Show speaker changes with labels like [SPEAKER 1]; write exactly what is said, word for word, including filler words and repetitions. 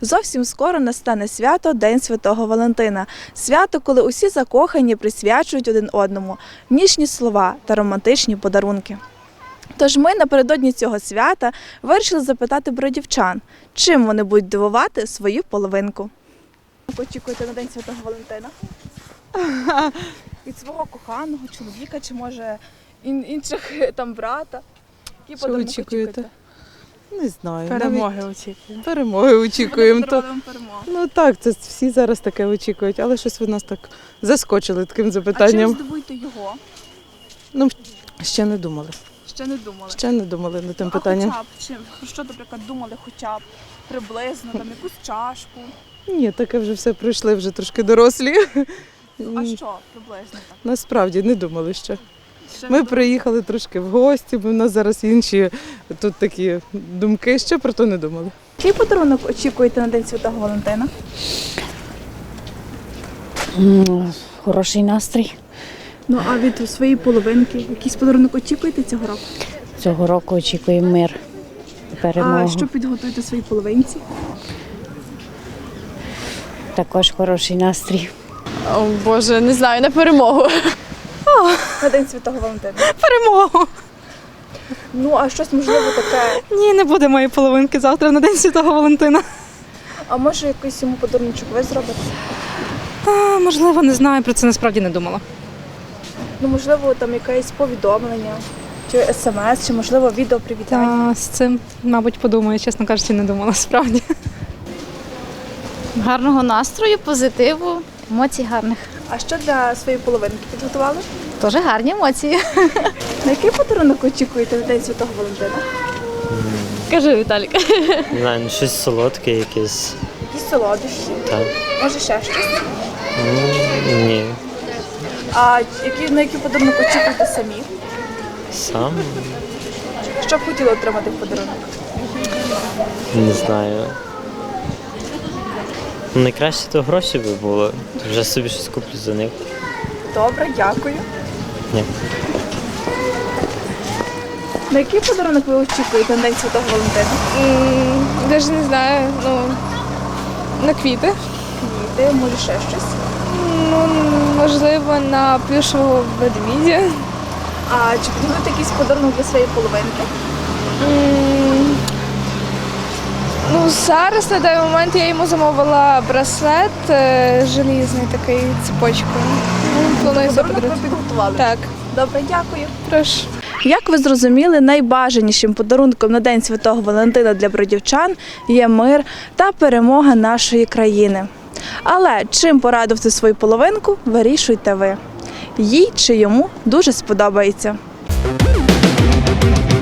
[SPEAKER 1] Зовсім скоро настане свято День Святого Валентина. Свято, коли усі закохані присвячують один одному ніжні слова та романтичні подарунки. Тож ми напередодні цього свята вирішили запитати бродівчан, чим вони будуть дивувати свою половинку. Очікуєте на День Святого Валентина? Від свого коханого чоловіка чи, може, інших там брата? Які
[SPEAKER 2] Що
[SPEAKER 1] подарунки
[SPEAKER 2] очікуєте? Не знаю.
[SPEAKER 3] Перемоги
[SPEAKER 2] навіть
[SPEAKER 3] очікуємо.
[SPEAKER 2] Перемоги очікуємо.
[SPEAKER 1] Буде
[SPEAKER 2] То...
[SPEAKER 1] вам перемога.
[SPEAKER 2] Ну так, це всі зараз таке очікують, але щось ви нас так заскочили таким
[SPEAKER 1] А чим
[SPEAKER 2] запитанням.
[SPEAKER 1] здивуєте його?
[SPEAKER 2] Ну, ще не думали.
[SPEAKER 1] Ще не думали.
[SPEAKER 2] Ще не думали над тим
[SPEAKER 1] А
[SPEAKER 2] питанням.
[SPEAKER 1] хоча б чим? Про що, наприклад, думали хоча б приблизно, там якусь чашку?
[SPEAKER 2] Ні, таке вже все пройшли, вже трошки дорослі.
[SPEAKER 1] А що приблизно так?
[SPEAKER 2] Насправді не думали ще.
[SPEAKER 1] Ще
[SPEAKER 2] Ми
[SPEAKER 1] не
[SPEAKER 2] приїхали трошки в гості, бо в нас зараз інші тут такі думки, ще про то не думали.
[SPEAKER 1] Який подарунок очікуєте на День Святого Валентина?
[SPEAKER 4] М, Хороший настрій.
[SPEAKER 1] Ну, а від своєї половинки якийсь подарунок очікуєте цього року?
[SPEAKER 4] Цього року очікуємо мир і перемогу.
[SPEAKER 1] А що підготуєте своїй половинці?
[SPEAKER 4] Також хороший настрій.
[SPEAKER 3] О, Боже, не знаю, на перемогу.
[SPEAKER 1] На День Святого Валентина.
[SPEAKER 5] Перемогу!
[SPEAKER 1] Ну, а щось можливо таке,
[SPEAKER 5] Ні, не буде моєї половинки завтра на День Святого Валентина.
[SPEAKER 1] а може якийсь йому подарунок ви зробите?
[SPEAKER 5] А, можливо, не знаю, про це насправді не думала.
[SPEAKER 1] Ну, можливо, там якесь повідомлення, чи смс, чи можливо відео привітання.
[SPEAKER 5] Та з цим, мабуть, подумаю, чесно кажучи, не думала справді.
[SPEAKER 6] Гарного настрою, позитиву, емоцій гарних.
[SPEAKER 1] А що для своєї половинки підготували?
[SPEAKER 6] Теж гарні емоції.
[SPEAKER 1] На який подарунок очікуєте на День Святого Валентина?
[SPEAKER 3] Кажи, Віталік.
[SPEAKER 7] Не знаю, ну щось солодке якесь.
[SPEAKER 1] Якісь солодощі,
[SPEAKER 7] Так.
[SPEAKER 1] може ще щось.
[SPEAKER 7] Ну, ні.
[SPEAKER 1] А які, на який подарунок очікуєте самі?
[SPEAKER 7] Сам
[SPEAKER 1] Що б хотіли отримати в подарунок?
[SPEAKER 7] не знаю. Ну, найкраще то гроші би було. То вже собі щось куплю за них.
[SPEAKER 1] Добре, дякую.
[SPEAKER 7] Ні.
[SPEAKER 1] На який подарунок ви очікуєте на День Святого Валентина?
[SPEAKER 3] Навіть не знаю, ну, на квіти.
[SPEAKER 1] Квіти, може ще щось.
[SPEAKER 3] Ну, можливо, на плюшевого ведмідя.
[SPEAKER 1] А чи підготуєте якийсь подарунок для своєї половинки?
[SPEAKER 3] М, Ну, зараз на даний момент я йому замовила браслет е, желізний такий цепочкою. Ну, планую
[SPEAKER 1] Подарунок ви
[SPEAKER 3] заподарувати.
[SPEAKER 1] підготували?
[SPEAKER 3] Так,
[SPEAKER 1] Добре, дякую.
[SPEAKER 3] прошу.
[SPEAKER 1] Як ви зрозуміли, найбажанішим подарунком на День Святого Валентина для бродівчан є мир та перемога нашої країни. Але чим порадувати свою половинку, вирішуйте ви. Їй чи йому дуже сподобається.